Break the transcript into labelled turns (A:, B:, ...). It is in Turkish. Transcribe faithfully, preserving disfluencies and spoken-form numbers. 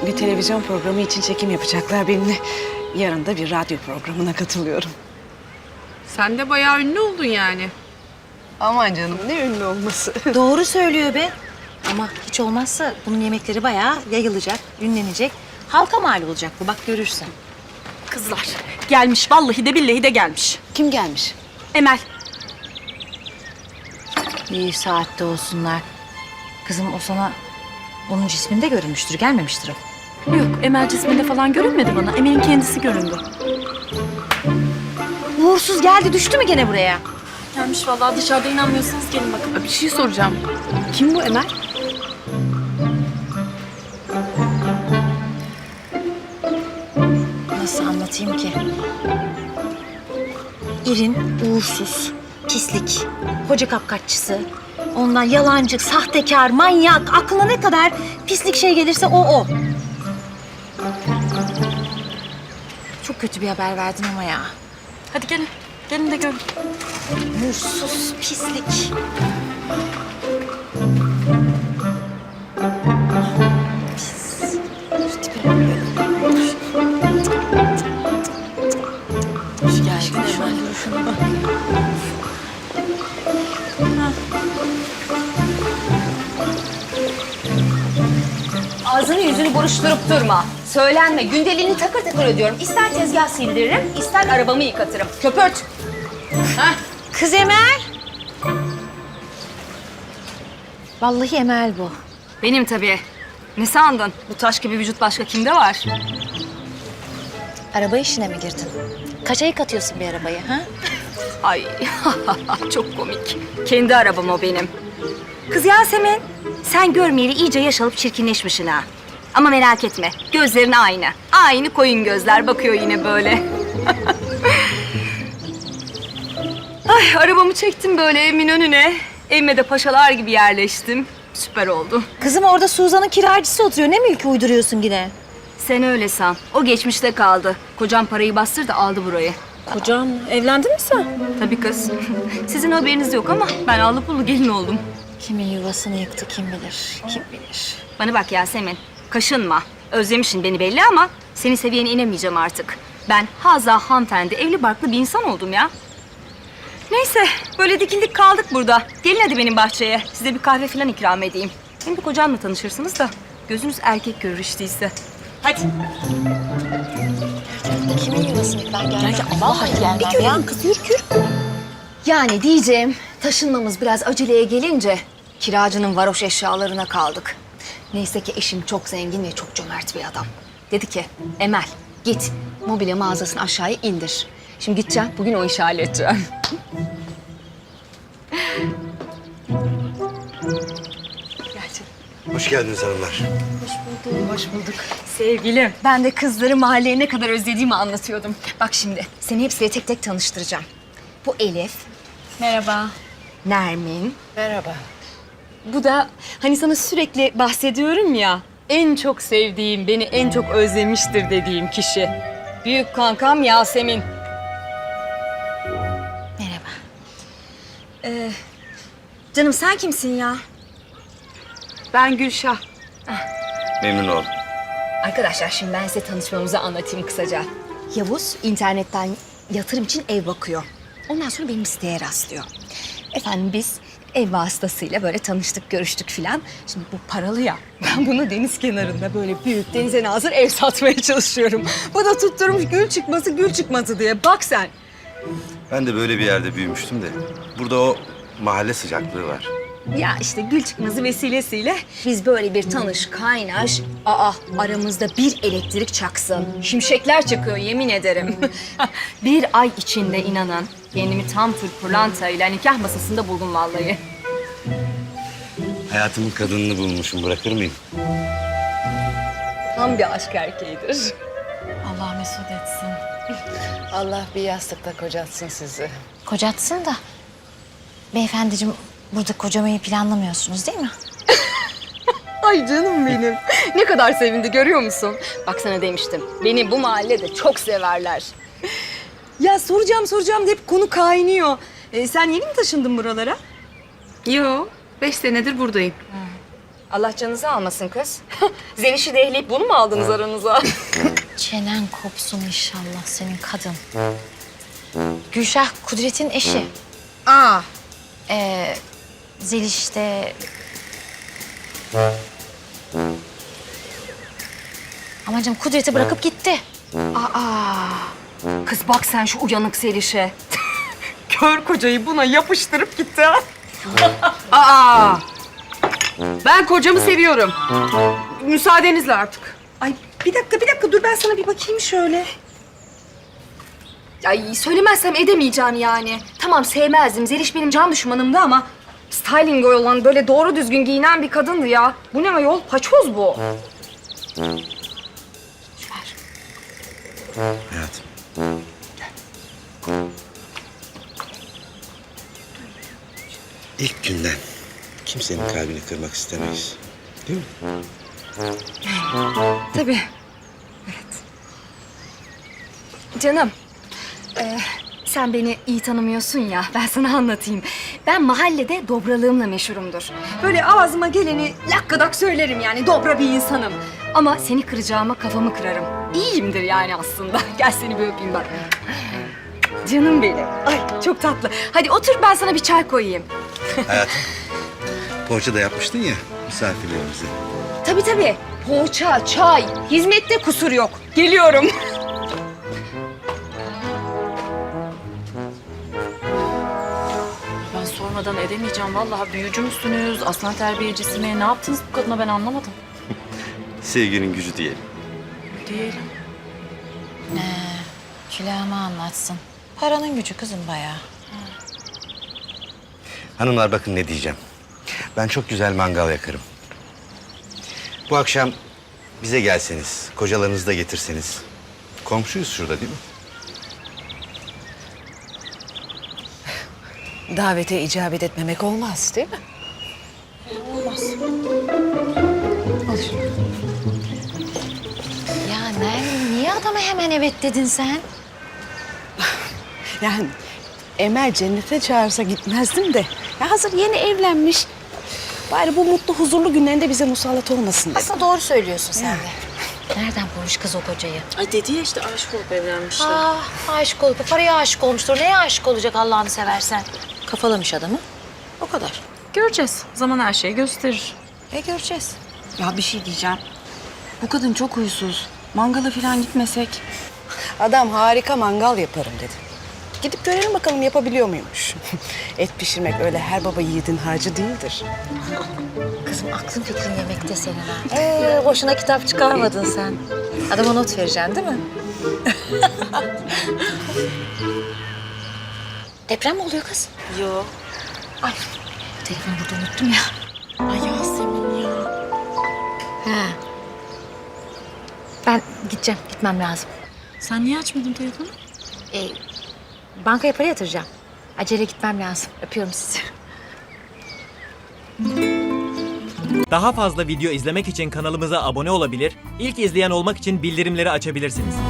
A: bir televizyon programı için çekim yapacaklar benimle. Yarın da bir radyo programına katılıyorum.
B: Sen de bayağı ünlü oldun yani.
A: Aman canım, ne ünlü olması.
C: Doğru söylüyor be. Ama hiç olmazsa bunun yemekleri bayağı yayılacak, ünlenecek. Halka mal olacak bu, bak görürsen.
B: Kızlar gelmiş, vallahi de billahi de gelmiş.
A: Kim gelmiş?
B: Emel.
C: İyi saatte olsunlar. Kızım o sana onun cisminde görünmüştür, gelmemiştir o.
B: Yok, Emel cisminde falan görünmedi bana. Emel'in kendisi göründü.
C: Uğursuz geldi, düştü mü gene buraya?
B: Gelmiş vallahi, dışarıda inanmıyorsanız gelin bakın. Bir şey soracağım. Kim bu Emel?
C: Nasıl anlatayım ki? İrin, uğursuz, pislik, hoca kapkaççısı, ondan yalancı, sahtekar, manyak, aklına ne kadar pislik şey gelirse o o. Çok kötü bir haber verdin ama ya.
B: Hadi gelin. Gelin de görün.
C: Uğursuz, pislik. Pis. Şu tipe bak böyle.
B: Hoş geldin Emel.
C: Duruşuna bak.
D: Ağzını yüzünü buruşturup durma. Söylenme. Gündeliğini takır takır ödüyorum. İster tezgah sildiririm, ister arabamı yıkatırım. Köpürt. Hah.
C: Kız Emel. Vallahi Emel bu.
D: Benim tabii. Ne sandın? Bu taş gibi vücut başka kimde var?
C: Araba işine mi girdin? Kaça yıkatıyorsun bir arabayı ha?
D: Ay çok komik. Kendi arabam o benim. Kız Yasemin, sen görmeyeli iyice yaş alıp çirkinleşmişsin ha. Ama merak etme, gözlerin aynı. Aynı koyun gözler, bakıyor yine böyle. Ay, arabamı çektim böyle evimin önüne. Evime de paşalar gibi yerleştim. Süper oldu.
C: Kızım orada Suzan'ın kiracısı oturuyor. Ne mülkü uyduruyorsun yine?
D: Sen öyle san. O geçmişte kaldı. Kocam parayı bastırdı, aldı burayı.
B: Kocam, evlendin mi sen?
D: Tabii kız. Sizin haberiniz yok ama ben allı pullu gelin oldum.
C: Kimin yuvasını yıktı kim bilir, kim bilir.
D: Bana bak Yasemin, kaşınma. Özlemişsin beni belli ama senin seviyene inemeyeceğim artık. Ben haza hanımefendi, evli barklı bir insan oldum ya. Neyse, böyle dikildik kaldık burada. Gelin hadi benim bahçeye. Size bir kahve falan ikram edeyim. Hem de kocamla tanışırsınız da gözünüz erkek görür işte ise. Hadi.
C: Kimin yuvasını yıktı? Ben gelmem. Vallahi gelmem ya. Kız yürü yürü.
D: Yani diyeceğim, taşınmamız biraz aceleye gelince kiracının varoş eşyalarına kaldık. Neyse ki eşim çok zengin ve çok cömert bir adam. Dedi ki, Emel git mobilya mağazasını aşağıya indir. Şimdi gideceğim, bugün o işi halledeceğim.
E: Hoş geldiniz hanımlar.
A: Hoş bulduk.
D: Sevgilim, ben de kızları mahalleye ne kadar özlediğimi anlatıyordum. Bak şimdi, seni hepsiyle tek tek tanıştıracağım. Bu Elif. Merhaba. Nermin.
A: Merhaba.
D: Bu da hani sana sürekli bahsediyorum ya, en çok sevdiğim, beni en çok özlemiştir dediğim kişi. Büyük kankam Yasemin.
C: Merhaba.
D: Ee, canım sen kimsin ya?
B: Ben Gülşah.
E: Memnun oldum.
D: Arkadaşlar şimdi ben size tanışmamızı anlatayım kısaca. Yavuz internetten yatırım için ev bakıyor. Ondan sonra benim siteye rastlıyor. Efendim biz ev vasıtasıyla böyle tanıştık, görüştük filan. Şimdi bu paralı ya. Ben bunu deniz kenarında böyle büyük denize nazır ev satmaya çalışıyorum. Bu da tutturmuş gül çıkması gül çıkması diye. Bak sen.
E: Ben de böyle bir yerde büyümüştüm de. Burada o mahalle sıcaklığı var.
D: Ya işte gül çıkması vesilesiyle biz böyle bir tanış, kaynaş. Aa aramızda bir elektrik çaksın. Şimşekler çakıyor yemin ederim. Bir ay içinde inanın kendimi tam tür pırlantayla nikah masasında buldum vallahi.
E: Hayatımın kadınını bulmuşum, bırakır mıyım?
D: Tam bir aşk erkeğidir.
B: Allah mesut etsin.
A: Allah bir yastıkta kocatsın sizi.
C: Kocatsın da. Beyefendiciğim burada kocamayı planlamıyorsunuz değil mi?
D: Ay canım benim. Ne kadar sevindi görüyor musun? Bak sana demiştim. Beni bu mahallede çok severler. Ya soracağım soracağım hep konu kaynıyor. Ee, sen yeni mi taşındın buralara?
B: Yo, beş senedir buradayım.
D: Allah canınızı almasın kız. Zeliş'i de ehleyip bunu mu aldınız aranıza?
C: Çenen kopsun inşallah senin kadın. Gülşah Kudret'in eşi.
D: Aa,
C: Ee, Zeliş de... Aman canım Kudret'i bırakıp gitti.
D: aa. Kız bak sen şu uyanık Zeliş'e. Kör kocayı buna yapıştırıp gitti ha.
B: Aa! Ben kocamı seviyorum. Müsaadenizle artık.
D: Ay bir dakika bir dakika dur ben sana bir bakayım şöyle. Ay söylemezsem edemeyeceğim yani. Tamam sevmezdim. Zeliş benim can düşmanımdı ama styling olan böyle doğru düzgün giyinen bir kadındı ya. Bu ne ayol? Paçoz bu.
E: Hayatım. İlk günden kimsenin kalbini kırmak istemeyiz. Değil mi?
D: Tabii. Evet. Canım. e, sen beni iyi tanımıyorsun ya. Ben sana anlatayım. Ben mahallede dobralığımla meşhurumdur. Böyle ağzıma geleni lakkadak söylerim yani. Dobra bir insanım. Ama seni kıracağıma kafamı kırarım. İyiyimdir yani aslında. Gel seni bir öpeyim bak. Canım benim. Ay çok tatlı. Hadi otur ben sana bir çay koyayım.
E: Hayatım. Poğaça da yapmıştın ya misafirlerimize.
D: Tabii tabii. Poğaça, çay, hizmette kusur yok. Geliyorum.
B: Ben sormadan edemeyeceğim. Vallahi büyücü müsünüz, aslan terbiyecisi mi? Ne yaptınız bu kadına ben anlamadım.
E: Sevginin gücü diyelim.
B: Diyelim.
C: Külahıma anlatsın. Paranın gücü kızım bayağı.
E: Hanımlar bakın ne diyeceğim. Ben çok güzel mangal yakarım. Bu akşam bize gelseniz, kocalarınızı da getirseniz. Komşuyuz şurada değil mi?
A: Davete icabet etmemek olmaz değil mi?
C: Ya Nermin niye adama hemen evet dedin sen?
A: Yani Emel cennete çağırsa gitmezdim de. Ya hazır yeni evlenmiş. Bari bu mutlu huzurlu günlerinde bize musallat olmasın dedim.
C: Aslında doğru söylüyorsun sen de. Nereden bulmuş kız o kocayı?
B: Ay dedi ya işte aşık olup evlenmişler.
C: Ah aşık olup paraya aşık olmuştur. Neye aşık olacak Allah'ını seversen? Kafalamış adamı. O kadar.
B: Göreceğiz. Zaman her şeyi gösterir.
C: E göreceğiz.
F: Ya bir şey diyeceğim. Bu kadın çok huysuz. Mangala falan gitmesek.
A: Adam harika mangal yaparım dedi. Gidip görelim bakalım yapabiliyor muymuş. Et pişirmek öyle her baba yiğidin harcı değildir.
C: Kızım aklın fikrin yemekte senin ha. Ee, boşuna kitap çıkarmadın sen. Adama not vereceksin değil mi? Deprem mi oluyor kız?
B: Yok.
C: Ay telefonu burada unuttum ya.
B: Ay Yasemin ya.
C: Ha. Ben gideceğim, gitmem lazım.
B: Sen niye açmadın telefonu?
C: Ee, bankaya para yatıracağım. Acele gitmem lazım. Öpüyorum sizi.
G: Daha fazla video izlemek için kanalımıza abone olabilir, ilk izleyen olmak için bildirimleri açabilirsiniz.